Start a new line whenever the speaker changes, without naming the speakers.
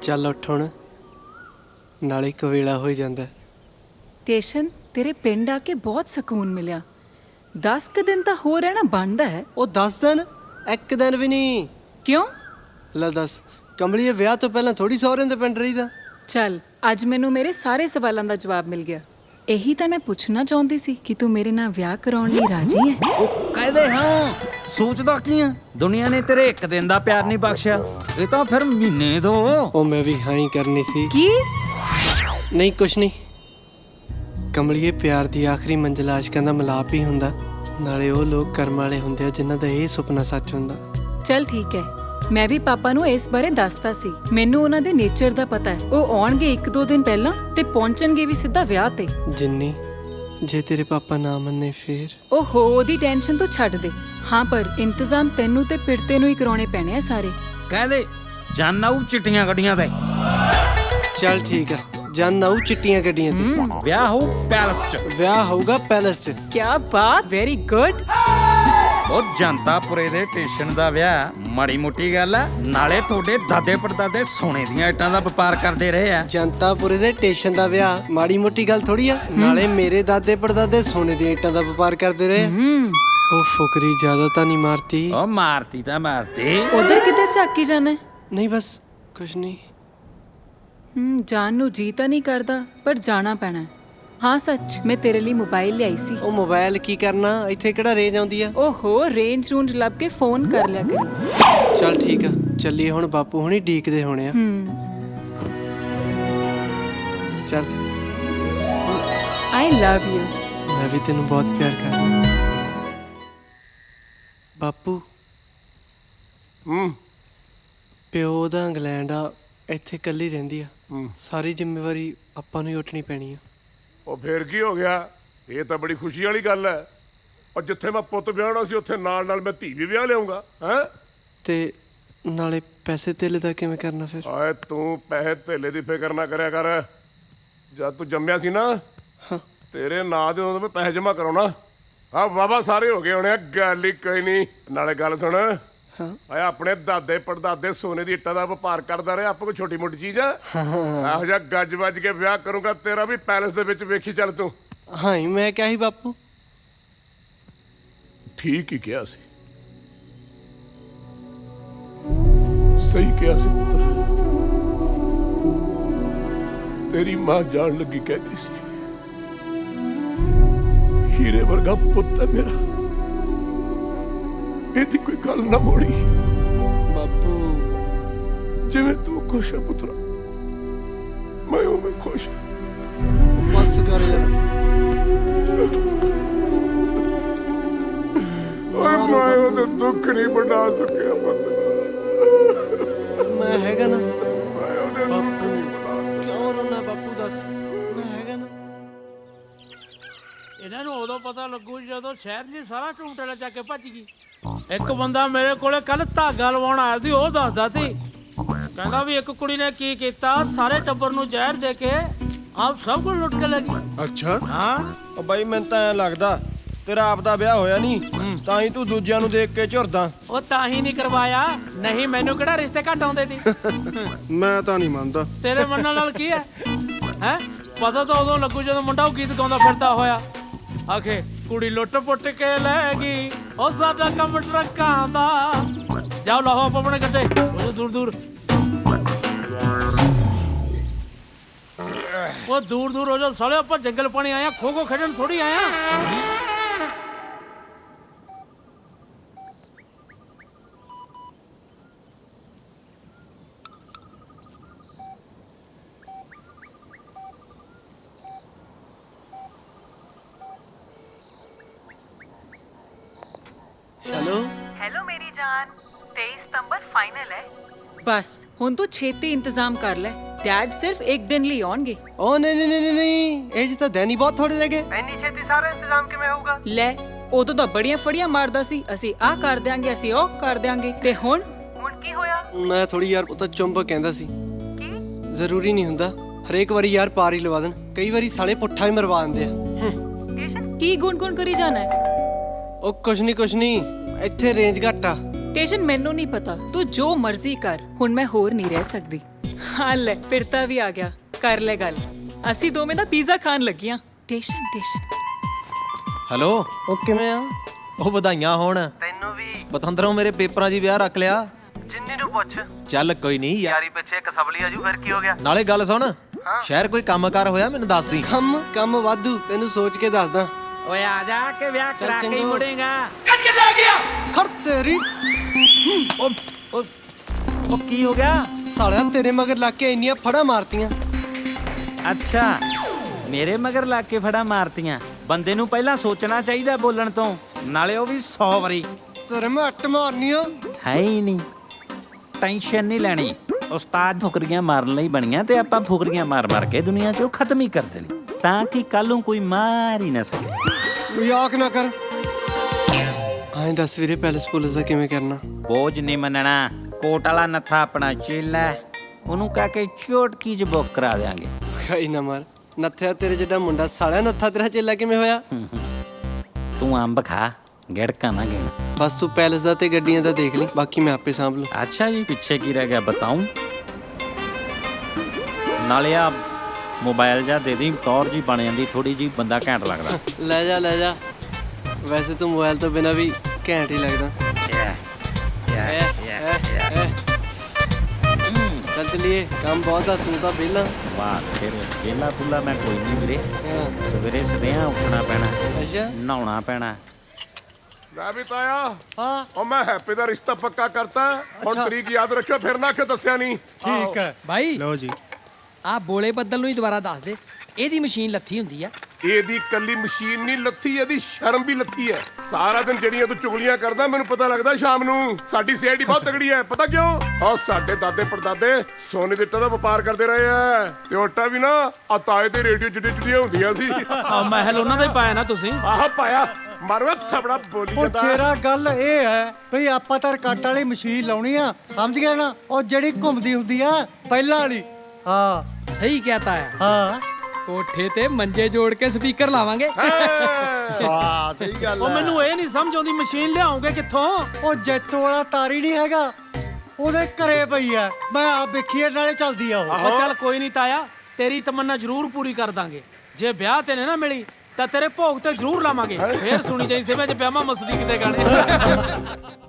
ਚੱਲ ਉੱਠ ਹੁਣ, ਨਾਲੇ ਕਵੇਲਾ ਹੋ ਜਾਂਦਾ।
ਸਟੇਸ਼ਨ ਤੇਰੇ ਪਿੰਡ ਆ ਕੇ ਬਹੁਤ ਸਕੂਨ ਮਿਲਿਆ। 10 ਕੁ ਦਿਨ ਤਾਂ ਹੋ ਰਹਿਣਾ ਬਣਦਾ ਹੈ।
ਉਹ 10 ਦਿਨ? ਇੱਕ ਦਿਨ ਵੀ ਨਹੀਂ।
ਕਿਉਂ?
ਲੈ ਦੱਸ, ਕਮਲੀਏ ਵਿਆਹ ਤੋਂ ਪਹਿਲਾਂ ਥੋੜੀ ਸਹੁਰਿਆਂ ਦੇ ਪਿੰਡ ਰਹੀਦਾ।
ਚੱਲ ਅੱਜ ਮੈਨੂੰ ਮੇਰੇ ਸਾਰੇ ਸਵਾਲਾਂ ਦਾ ਜਵਾਬ ਮਿਲ ਗਿਆ। ਇਹੀ ਤਾਂ ਮੈਂ ਪੁੱਛਣਾ ਚਾਹੁੰਦੀ ਸੀ ਕਿ ਤੂੰ ਮੇਰੇ ਨਾਲ ਵਿਆਹ ਕਰਾਉਣ ਲਈ ਰਾਜੀ ਹੈ।
ਉਹ ਕਹਦੇ ਹਾਂ, ਸੋਚਦਾ ਕੀ ਆ? ਦੁਨੀਆ ਨੇ ਤੇਰੇ ਇੱਕ ਦਿਨ ਦਾ ਪਿਆਰ ਨਹੀਂ ਬਖਸ਼ਿਆ, ਇਹ ਤਾਂ ਫਿਰ ਮਹੀਨੇ ਦੋ।
ਉਹ ਮੈਂ ਵੀ ਹਾਂ ਹੀ ਕਰਨੀ ਸੀ।
ਕੀ?
ਨਹੀਂ ਕੁਛ ਨਹੀਂ ਕਮਲੀਏ, ਪਿਆਰ ਦੀ ਆਖਰੀ ਮੰਜ਼ਿਲ ਆਸ਼ਕਾਂ ਦਾ ਮਿਲਾਪ ਹੀ ਹੁੰਦਾ। ਨਾਲੇ ਉਹ ਲੋਕ ਕਰਮ ਵਾਲੇ ਹੁੰਦੇ ਆ ਜਿਨ੍ਹਾਂ ਦਾ ਇਹ ਸੁਪਨਾ ਸੱਚ ਹੁੰਦਾ।
ਚੱਲ ਠੀਕ ਹੈ, ਮੈਂ ਵੀ ਪਾਪਾ ਨੂੰ ਇਸ ਬਾਰੇ ਦੱਸਤਾ ਸੀ। ਮੈਨੂੰ ਉਹਨਾਂ ਦੇ ਨੇਚਰ ਦਾ ਪਤਾ ਹੈ। ਉਹ ਆਉਣਗੇ 1-2 ਦਿਨ ਪਹਿਲਾਂ ਤੇ ਪਹੁੰਚਣਗੇ ਵੀ ਸਿੱਧਾ ਵਿਆਹ ਤੇ।
ਜਿੰਨੀ ਜੇ ਤੇਰੇ ਪਾਪਾ ਨਾ ਮੰਨੇ ਫੇਰ?
ਓਹੋ, ਉਹਦੀ ਟੈਨਸ਼ਨ ਤੂੰ ਛੱਡ ਦੇ। ਹਾਂ, ਪਰ ਇੰਤਜ਼ਾਮ ਤੈਨੂੰ ਤੇ ਪਿਰਤੇ ਨੂੰ ਹੀ ਕਰਾਉਣੇ ਪੈਣੇ ਆ ਸਾਰੇ।
ਕਹਦੇ ਜਾਨ ਆਊ ਚਿੱਟੀਆਂ ਗੱਡੀਆਂ ਤੇ।
ਚੱਲ ਠੀਕ ਆ, ਜਨ ਆਊ ਚਿੱਟੀਆਂ ਗੱਡੀਆਂ ਤੇ।
ਵਿਆਹ ਹੋਊ ਪੈਲਸ 'ਚ।
ਵਿਆਹ ਹੋਊਗਾ ਪੈਲਸ 'ਚ।
ਕਿਆ ਬਾਤ, ਵੈਰੀ ਗੁੱਡ।
ਉਹ ਜਨਤਾਪੁਰੇ ਦੇ ਸਟੇਸ਼ਨ ਦਾ ਵਿਆਹ ਮਾੜੀ ਮੋਟੀ ਗੱਲ ਆ? ਨਾਲੇ ਤੁਹਾਡੇ ਦਾਦੇ ਪੜਦਾਦੇ ਸੋਨੇ ਦੀਆਂ ਇੱਟਾਂ ਦਾ ਵਪਾਰ ਕਰਦੇ ਰਹੇ ਆ।
ਜਨਤਾਪੁਰੇ ਦੇ ਸਟੇਸ਼ਨ ਦਾ ਵਿਆਹ ਮਾੜੀ ਮੋਟੀ ਗੱਲ ਥੋੜੀ ਆ। ਨਾਲੇ ਮੇਰੇ ਦਾਦੇ ਪੜਦਾਦੇ ਸੋਨੇ ਦੀਆਂ ਇੱਟਾਂ ਦਾ ਵਪਾਰ ਕਰਦੇ ਰਹੇ। ਉਹ ਫੁਕਰੀ ਜ਼ਿਆਦਾ ਤਾਂ ਨਹੀਂ ਮਾਰਤੀ?
ਉਹ ਮਾਰਤੀ ਤਾਂ ਮਾਰਤੀ।
ਉਧਰ ਕਿੱਧਰ ਝਾਕੀ ਜਾਣਾ?
ਨਹੀਂ ਬਸ ਕੁਛ ਨਹੀਂ।
ਜਾਣ ਨੂੰ ਜੀ ਤਾਂ ਨਹੀਂ ਕਰਦਾ, ਪਰ ਜਾਣਾ ਪੈਣਾ ਹੈ। ਹਾਂ ਸੱਚ, ਮੈਂ ਤੇਰੇ ਲਈ ਮੋਬਾਈਲ ਲਿਆਈ ਸੀ।
ਉਹ ਮੋਬਾਈਲ ਕੀ ਕਰਨਾ? ਇੱਥੇ ਕਿਹੜਾ ਰੇਂਜ ਆਉਂਦੀ ਆ?
ਓਹੋ, ਰੇਂਜ ਰੂੰਜ ਲੱਭ ਕੇ ਫੋਨ ਕਰ ਲਿਆ ਕਰੀ।
ਚੱਲ ਠੀਕ ਆ, ਚੱਲੀਏ ਹੁਣ। ਬਾਪੂ ਹੁਣੀ ਡੀਕਦੇ ਹੋਣੇ ਆ। ਚੱਲ।
I love you.
ਮੈਂ ਵੀ ਤੈਨੂੰ ਬਹੁਤ ਪਿਆਰ ਕਰਦਾ ਬਾਪੂ। ਪਿਓ ਦਾ ਇੰਗਲੈਂਡ ਆ, ਇੱਥੇ ਇਕੱਲੀ ਰਹਿੰਦੀ ਆ। ਸਾਰੀ ਜ਼ਿੰਮੇਵਾਰੀ ਆਪਾਂ ਨੂੰ ਹੀ ਉੱਠਣੀ ਪੈਣੀ ਆ।
ਉਹ ਫੇਰ ਕੀ ਹੋ ਗਿਆ? ਇਹ ਤਾਂ ਬੜੀ ਖੁਸ਼ੀ ਵਾਲੀ ਗੱਲ ਹੈ। ਔਰ ਜਿੱਥੇ ਮੈਂ ਪੁੱਤ ਵਿਆਹਣਾ ਸੀ ਉੱਥੇ ਨਾਲ ਨਾਲ ਮੈਂ ਧੀ ਵੀ ਵਿਆਹ ਲਿਆਉਂਗਾ। ਹੈ
ਤੇ ਨਾਲੇ ਪੈਸੇ ਧੇਲੇ ਦਾ ਕਿਵੇਂ ਕਰਨਾ ਫਿਰ?
ਆਏ ਤੂੰ ਪੈਸੇ ਧੇਲੇ ਦੀ ਫਿਕਰ ਨਾ ਕਰਿਆ ਕਰ। ਜਦ ਤੂੰ ਜੰਮਿਆ ਸੀ ਨਾ, ਤੇਰੇ ਨਾਂ ਦੇ ਉਦੋਂ ਮੈਂ ਪੈਸੇ ਜਮ੍ਹਾਂ ਕਰਾਉਣਾ। ਹਾਂ ਵਾਵਾ ਸਾਰੇ ਹੋ ਗਏ ਹੋਣੇ ਆ, ਗੱਲ ਹੀ ਕੋਈ ਨਹੀਂ। ਨਾਲੇ ਗੱਲ ਸੁਣ, ਆਏ ਆਪਣੇ ਦਾਦੇ ਪੜਦਾਦੇ ਸੋਨੇ ਦੀ ਇੱਟਾਂ ਦਾ ਵਪਾਰ ਕਰਦਾ ਰਿਹਾ। ਆਪਾਂ ਕੋਈ ਛੋਟੀ ਮੋਟੀ ਚੀਜ਼ ਆ? ਇਹੋ ਜਿਹਾ ਗੱਜ ਵੱਜ ਕੇ ਵਿਆਹ ਕਰੂੰਗਾ ਤੇਰਾ ਵੀ ਪੈਲਸ ਦੇ ਵਿੱਚ। ਵੇਖੀ ਚੱਲ ਤੂੰ।
ਹਾਂ ਹੀ ਮੈਂ ਕਿਹਾ ਸੀ ਬਾਪੂ।
ਠੀਕ ਹੀ ਕਿਹਾ ਸੀ, ਸਹੀ ਕਿਹਾ ਸੀ ਪੁੱਤਰ। ਤੇਰੀ ਮਾਂ ਜਾਣ ਲੱਗੀ ਕਹਿੰਦੀ ਸੀ, ਹੀਰੇ ਵਰਗਾ ਪੁੱਤ ਹੈ ਮੇਰਾ, ਇਹਦੀ ਕੋਈ ਗੱਲ ਨਾ ਮੋੜੀ।
ਬਾਪੂ
ਜਿਵੇਂ ਤੂੰ ਖੁਸ਼ ਹੈ ਪੁੱਤਰਾ, ਮੈਂ ਉਵੇਂ ਖੁਸ਼ ਹਾਂ।
ਬਸ ਕਰ ਯਾਰ।
ਓਏ ਮੈਂ ਉਹਦਾ ਦੁੱਖ ਨਹੀਂ ਵੰਡਾ ਸਕਿਆ ਪੁੱਤ।
ਮੈਂ ਹੈਗਾ ਨਾ।
ਮੈਂ ਉਹਦੇ ਦੁੱਖ ਨਹੀਂ ਵੰਡਾ।
ਕਿਉਂ ਰੋਣਾ ਬਾਪੂ? ਦੱਸ, ਮੈਂ ਹੈਗਾ ਨਾ।
ਇਹਨਾਂ ਨੂੰ ਉਦੋਂ ਪਤਾ ਲੱਗੂ ਜਦੋਂ ਸ਼ਹਿਰ ਜੀ ਸਾਰਾ ਝੂਟੇਲਾ ਚੱਕ ਕੇ ਭੱਜ ਗਈ। ਇੱਕ ਬੰਦਾ ਮੇਰੇ ਕੋਲੇ ਕੱਲ ਧਾਗਾ ਲਵਾਉਣ ਆਇਆ ਸੀ। ਉਹ ਦੱਸਦਾ ਸੀ, ਕਹਿੰਦਾ ਵੀ ਇੱਕ ਕੁੜੀ ਨੇ ਕੀ ਕੀਤਾ, ਸਾਰੇ ਟੱਬਰ ਨੂੰ ਜ਼ਹਿਰ ਦੇ ਕੇ ਆਪ ਸਭ ਕੁਝ ਲੁੱਟ ਕੇ ਲੈ ਗਈ।
ਅੱਛਾ।
ਹਾਂ।
ਉਹ ਬਾਈ ਮੈਨੂੰ ਤਾਂ ਐਂ ਲੱਗਦਾ ਤੇਰਾ ਆਪ ਦਾ ਵਿਆਹ ਹੋਇਆ ਨਹੀਂ, ਤਾਂ ਹੀ ਤੂੰ ਦੂਜਿਆਂ ਨੂੰ ਦੇਖ ਕੇ ਝੁਰਦਾ।
ਉਹ ਤਾਂ ਹੀ ਨਹੀਂ ਕਰਵਾਇਆ, ਨਹੀਂ ਮੈਨੂੰ ਕਿਹੜਾ ਰਿਸ਼ਤੇ ਘੱਟ ਆਉਂਦੇ ਸੀ।
ਮੈਂ ਤਾਂ ਨਹੀਂ ਮੰਨਦਾ।
ਤੇਰੇ ਮੰਨਣ ਨਾਲ ਕੀ ਹੈ? ਹੈ ਪਤਾ ਤਾਂ ਉਦੋਂ ਲੱਗੂ ਜਦੋਂ ਮੁੰਡਾ ਉਹ ਗੀਤ ਗਾਉਂਦਾ ਫਿਰਦਾ ਹੋਇਆ ਆਖੇ ਕੁੜੀ ਲੁੱਟ ਪੁੱਟ ਕੇ ਲੈ ਗਈ, ਉਹ ਸਾਡਾ ਕੰਮ ਟਰੱਕਾਂ ਦਾ। ਜਾਓ ਲਾਹੋ ਆਪ ਆਪਣੇ ਗੱਡੇ ਉਹ ਦੂਰ ਦੂਰ। ਉਹ ਦੂਰ ਦੂਰ ਹੋ ਜਾ ਸਾਲੇ, ਆਪਾਂ ਜੰਗਲ ਪਾਣੀ ਆਇਆ, ਖੋ ਖੋ ਖੇਡਣ ਥੋੜੀ ਆਇਆ।
ਹੈਲੋ ਮੇਰੀ ਜਾਨ, 23 ਸਤੰਬਰ ਫਾਈਨਲ ਹੈ। ਬਸ ਹੁਣ ਤੂੰ ਛੇਤੀ ਇੰਤਜ਼ਾਮ ਕਰ ਲੈ। ਡੈਡ ਸਿਰਫ 1 ਦਿਨ ਲਈ ਆਉਣਗੇ।
ਓ ਨਹੀਂ ਨਹੀਂ ਨਹੀਂ ਨਹੀਂ, ਇਹ ਜਿਹਾ ਦਿਨ ਹੀ ਬਹੁਤ ਥੋੜੇ ਲੱਗੇ। ਇੰਨੀ ਛੇਤੀ ਸਾਰਾ ਇੰਤਜ਼ਾਮ ਕਿਵੇਂ ਹੋਊਗਾ?
ਲੈ, ਉਦੋਂ ਤਾਂ ਬੜੀਆਂ ਫੜੀਆਂ ਮਾਰਦਾ ਸੀ, ਅਸੀਂ ਆਹ ਕਰ ਦਿਆਂਗੇ, ਅਸੀਂ ਉਹ ਕਰ ਦਿਆਂਗੇ। ਤੇ ਹੁਣ ਕੀ ਹੋਇਆ?
ਮੈਂ ਥੋੜੀ ਯਾਰ, ਉਹ ਤਾਂ ਚੁੰਬਕ ਕਹਿੰਦਾ ਸੀ। ਕੀ ਜ਼ਰੂਰੀ ਨਹੀਂ ਹੁੰਦਾ ਹਰੇਕ ਵਾਰੀ ਯਾਰ ਪਾਰ ਹੀ ਲਵਾ ਦੇਣ। ਕਈ ਵਾਰੀ ਸਾਲੇ ਪੁੱਠਾ ਵੀ ਮਰਵਾ ਦਿੰਦੇ ਆ।
ਕੀ ਗੁਣ ਕਰੀ ਜਾਣਾ ਹੈ?
ਉਹ ਕੁਛ ਨਹੀਂ, ਇੱਥੇ ਰੇਂਜ ਘੱਟ ਆ।
ਟੇਸ਼ਨ ਮੈਨੂੰ ਨਹੀਂ ਪਤਾ, ਤੂੰ ਜੋ ਮਰਜ਼ੀ ਕਰ, ਹੁਣ ਮੈਂ ਹੋਰ ਨਹੀਂ ਰਹਿ ਸਕਦੀ। ਹਾਂ ਲੈ ਪਿਰਤਾ ਵੀ ਆ ਗਿਆ, ਕਰ ਲੈ ਗੱਲ। ਅਸੀਂ ਦੋਵੇਂ ਦਾ ਪੀਜ਼ਾ ਖਾਣ ਲੱਗੀਆਂ। ਟੇਸ਼ਨ
ਹੈਲੋ,
ਉਹ ਕਿਵੇਂ ਆ?
ਉਹ ਵਧਾਈਆਂ ਹੋਣ।
ਤੈਨੂੰ ਵੀ।
ਪਤੰਦਰੋਂ ਮੇਰੇ ਪੇਪਰਾਂ 'ਚ ਵਿਆਹ ਰੱਖ ਲਿਆ।
ਜਿੰਨੀ ਨੂੰ ਪੁੱਛ।
ਚੱਲ ਕੋਈ ਨਹੀਂ ਯਾਰ,
ਯਾਰੀ ਪਿੱਛੇ ਇੱਕ ਸਬਲੀ ਆਜੂ, ਫਿਰ ਕੀ ਹੋ ਗਿਆ?
ਨਾਲੇ ਗੱਲ ਸੁਣ, ਸ਼ਹਿਰ ਕੋਈ ਕੰਮਕਾਰ ਹੋਇਆ ਮੈਨੂੰ ਦੱਸ ਦੀ।
ਕੰਮ ਵਾਧੂ, ਤੈਨੂੰ ਸੋਚ ਕੇ ਦੱਸਦਾ।
ਓਏ ਆ ਜਾ ਕੇ ਵਿਆਹ ਕਰਾ ਕੇ ਹੀ
ਚੰਗਾ।
ਮੁੜੇਗਾ।
ਖੜ ਤੇਰੀ
ਉਹ ਕੀ ਹੋ ਗਿਆ?
ਸਾਲਿਆ ਤੇਰੇ ਮਗਰ ਲੱਗ ਕੇ ਇੰਨੀਆਂ ਫੜਾਂ ਮਾਰਤੀਆਂ।
ਅੱਛਾ, ਮੇਰੇ ਮਗਰ ਲੱਗ ਕੇ ਫੜਾ ਮਾਰਤੀਆਂ। ਬੰਦੇ ਨੂੰ ਪਹਿਲਾਂ ਸੋਚਣਾ ਚਾਹੀਦਾ ਬੋਲਣ ਤੋਂ, ਨਾਲੇ ਉਹ ਵੀ 100 ਵਾਰੀ।
ਤੇਰੇ ਮੈਂ ਅੱਟ ਮਾਰਨੀ ਆ।
ਹੈ ਹੀ ਨਹੀਂ, ਟੈਨਸ਼ਨ ਨਹੀਂ ਲੈਣੀ। ਉਸਤਾਦ ਫੁਕਰੀਆਂ ਮਾਰਨ ਲਈ ਬਣੀਆਂ ਤੇ ਆਪਾਂ ਫੁਕਰੀਆਂ ਮਾਰ ਕੇ ਦੁਨੀਆ 'ਚੋਂ ਖਤਮ ਹੀ ਕਰ ਦੇਣੀ, ਤਾਂ ਕਿ ਕੱਲ ਨੂੰ ਕੋਈ ਮਾਰ ਹੀ ਨਾ ਸਕੇ।
ਮਜ਼ਾਕ ਨਾ ਕਰ। ਹਾਂ ਦੱਸ ਵੀਰੇ, ਪੈਲਸ ਪੁਲਿਸ ਦਾ ਕਿਵੇਂ ਕਰਨਾ?
ਬੋਝ ਨਹੀਂ ਮੰਨਣਾ। ਕੋਟ ਵਾਲਾ ਨੱਥਾ ਆਪਣਾ ਚੇਲਾ ਹੈ, ਉਹਨੂੰ ਕਹਿ ਕੇ ਚੋਟਕੀ 'ਚ ਬੁੱਕ ਕਰਾ ਦਿਆਂਗੇ।
ਖਾਈ ਨਾ ਮਾਰ। ਨੱਥਿਆ ਤੇਰੇ ਜਿਹੜਾ ਮੁੰਡਾ, ਸਾਲਿਆ ਨੱਥਾ ਤੇਰਾ ਚੇਲਾ ਕਿਵੇਂ ਹੋਇਆ?
ਤੂੰ ਅੰਬ ਖਾ, ਗੜਕਾ ਨਾ ਗਿਣ।
ਬਸ ਤੂੰ ਪੈਲਸ ਦਾ ਤੇ ਗੱਡੀਆਂ ਦਾ ਦੇਖ ਲਈ, ਬਾਕੀ ਮੈਂ ਆਪੇ ਸਾਂਭ ਲੂ।
ਅੱਛਾ ਜੀ, ਪਿੱਛੇ ਕੀ ਰਹਿ ਗਿਆ ਬਤਾਉਂ? ਨਾਲੇ ਆ ਮੋਬਾਈਲ ਜਾਂ ਦੇ ਦੀ, ਟੌਰ ਜੀ ਬਣ ਜਾਂਦੀ ਥੋੜੀ ਜੀ, ਬੰਦਾ ਘੈਂਟ ਲੱਗਦਾ।
ਲੈ ਜਾ। ਵੈਸੇ ਤੂੰ ਮੋਬਾਈਲ ਤੋਂ ਬਿਨਾ ਵੀ ਘੈਂਟ ਹੀ ਲੱਗਦਾ। ਚੱਲ ਚਲੀਏ, ਕੰਮ ਬਹੁਤ ਆ, ਤੂੰ ਤਾਂ ਵਿਹਲਾ।
ਵਾਹ, ਫਿਰ ਵਿਹਲਾ ਫੁੱਲਾ ਮੈਂ ਕੋਈ ਨਹੀਂ ਵੀਰੇ।
ਹਾਂ।
ਸਵੇਰੇ ਸਦਿਆਂ ਉੱਠਣਾ ਪੈਣਾ,
ਅੱਛਾ।
ਨਹਾਉਣਾ ਪੈਣਾ।
ਲੈ ਵੀ ਤਾਇਆ। ਹਾਂ, ਉਹ ਮੈਂ ਹੈਪੀ ਦਾ ਰਿਸ਼ਤਾ ਪੱਕਾ ਕਰਤਾ। ਹੁਣ ਤਰੀਕ ਯਾਦ ਰੱਖਿਓ, ਫਿਰ ਨਾ ਕਿ ਦੱਸਿਆ ਨਹੀਂ।
ਠੀਕ ਹੈ
ਭਾਈ ਲਓ ਜੀ।
ਆ ਬੋਲੇ ਬੱਦਲ ਨੂੰ ਹੀ ਦੁਬਾਰਾ ਦੱਸ ਦੇ, ਇਹਦੀ ਮਸ਼ੀਨ ਲੱਥੀ ਹੁੰਦੀ ਆ।
ਇਹਦੀ ਕੱਲੀ ਮਸ਼ੀਨ ਨਹੀਂ ਲੱਥੀ, ਇਹਦੀ ਸ਼ਰਮ ਵੀ ਲੱਥੀ ਹੈ। ਸਾਰਾ ਦਿਨ ਜਿਹੜੀਆਂ ਤੂੰ ਚੁਗਲੀਆਂ ਕਰਦਾ, ਮੈਨੂੰ ਪਤਾ ਲੱਗਦਾ ਸ਼ਾਮ ਨੂੰ ਸਾਡੀ ਸਿਹਤ ਬਹੁਤ ਤਗੜੀ ਹੈ। ਪਤਾ ਕਿਉਂ? ਉਹ ਸਾਡੇ ਦਾਦੇ ਪੜਦਾਦੇ ਸੋਨੇ ਦੇ ਇੱਟਾਂ ਦਾ ਵਪਾਰ ਕਰਦੇ ਰਹੇ ਆ, ਤੇ ਉੱਟਾਂ ਵੀ ਨਾ ਆ ਤਾਏ ਦੇ ਰੇਡੀਓ ਜਿਹੜੀਆਂ ਹੁੰਦੀਆਂ ਸੀ।
ਮਹਿਲ ਉਹਨਾਂ ਦਾ ਹੀ ਪਾਇਆ ਨਾ ਤੁਸੀਂ।
ਆਹ ਪਾਇਆ ਮਾਰਵਾ ਥਪੜਾ ਬੋਲੀ
ਉਹ
ਜਾਂਦਾ।
ਤੇਰਾ ਗੱਲ ਇਹ ਹੈ ਭਈ ਆਪਾਂ ਤਾਂ ਕੱਟ ਵਾਲੀ ਮਸ਼ੀਨ ਲਾਉਣੀ ਆ, ਸਮਝ ਗਏ ਨਾ? ਉਹ ਜਿਹੜੀ ਘੁੰਮਦੀ ਹੁੰਦੀ ਆ ਪਹਿਲਾਂ ਵਾਲੀ। ਹਾਂ
ਸਹੀ ਕਹਤਾ ਹੈ।
ਹਾਂ
ਕੋਠੇ ਤੇ ਮੰਜੇ ਜੋੜ ਕੇ ਸਪੀਕਰ ਲਾਵਾਂਗੇ।
ਵਾਹ ਸਹੀ ਗੱਲ
ਉਹ ਮੈਨੂੰ ਇਹ ਨਹੀਂ ਸਮਝ ਆਉਂਦੀ, ਮਸ਼ੀਨ ਲਿਆਉਂਗੇ ਕਿੱਥੋਂ?
ਉਹ ਜੈਤੋ ਵਾਲਾ ਤਾਰੀ ਨਹੀਂ ਹੈਗਾ, ਉਹਦੇ ਘਰੇ ਪਈ ਆ। ਮੈਂ ਆ ਵੇਖੀਏ, ਨਾਲੇ ਚੱਲਦੀ ਆ ਉਹ।
ਉਹ ਚੱਲ ਕੋਈ ਨਹੀਂ ਤਾਇਆ, ਤੇਰੀ ਤਮੰਨਾ ਜ਼ਰੂਰ ਪੂਰੀ ਕਰ ਦਾਂਗੇ। ਜੇ ਵਿਆਹ ਤੇ ਨਾ ਮਿਲੀ ਤਾਂ ਤੇਰੇ ਭੋਗ ਤੇ ਜ਼ਰੂਰ ਲਾਵਾਂਗੇ। ਫੇਰ ਸੁਣੀ ਜਾਈ ਸੇਵੇ ਚ ਪਿਆਮਾ ਮਸਦੀ ਕਿਤੇ ਗਾਣੇ।